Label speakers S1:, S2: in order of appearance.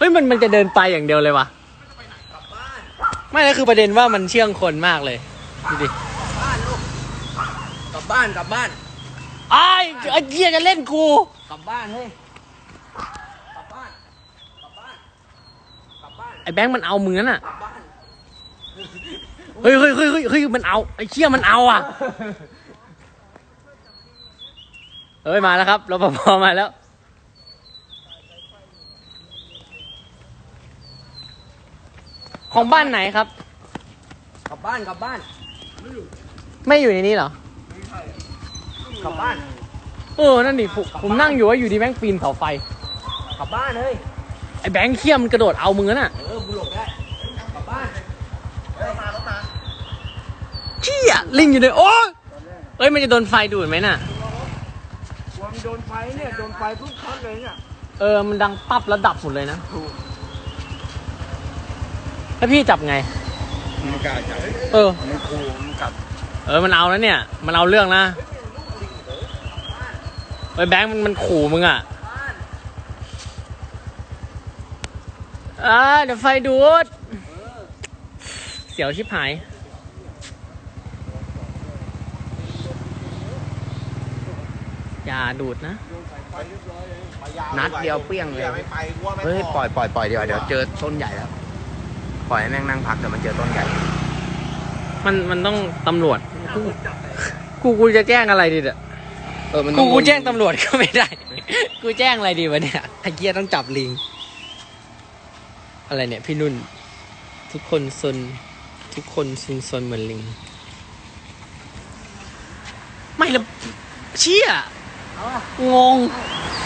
S1: ฮ้ยมันจะเดินไปอย่างเดียวเลยวะไม่แล้วคือประเด็นว่ามันเชื่องคนมากเลยดูดิ
S2: บ้านลูกกลับบ้าน
S1: ไอ้เหี้ยจะเล่นกู
S2: กลับบ้านเฮ้ยกลับบ้าน
S1: ไอ้แบงค์มันเอามึงนั่นน่ะเฮ้ยมันเอาไอ้เชี่ยมันเอาอ่ะเฮ้ยมาแล้วครับรปภมาแล้วของบ้านไหนครับ
S2: กลับบ้าน
S1: ไม่อยู่ในนี้เหรอก
S2: ลับบ้าน
S1: นั่นดิผมนั่งอยู่ว่าอยู่ดีแบงค์ปีนเสาไฟ
S2: กลับบ้านเฮ้ย
S1: ไอ้แบงค์เขี้ยมมันกระโดดเอามึงน่ะ
S2: กูหลบได้กลับบ้านรถมา
S1: เชี่ยลิงอยู่ในโอ้เอ้ยมันจะโดนไฟดูดไหมน่ะ
S2: มันโดนไฟเนี่ยโดนไฟปุ๊บช็อตเลยเนี่ย
S1: มันดังปั๊บแล้วดับหมดเลยนะแล้วพี่จับไง
S2: มันกล้าจับมันขู่มันกัด
S1: มันเอาแล้วเนี่ยมันเอาเรื่องนะแบงค์มันขู่มึงอ่ะเดี๋ยวไฟดูดเสียวชิบหายอย่าดูดนะ
S2: นัดเดียวเปี้ยงเลยเฮ้ยปล่อยเดี๋ยวเจอต้นใหญ่แล้วปล่อยให้แม่งนั่งพักเดี๋ยวมันเจอต้นใหญ่
S1: มันต้องตำรวจกูจะแจ้งอะไรดีเนี่ยกูแจ้งตำรวจก็ไม่ได้กูแจ้งอะไรดีวะเนี่ยไอ้เกียต้องจับลิงอะไรเนี่ยพี่นุ่นทุกคนซนเหมือนลิงไม่ละเชี่ยงง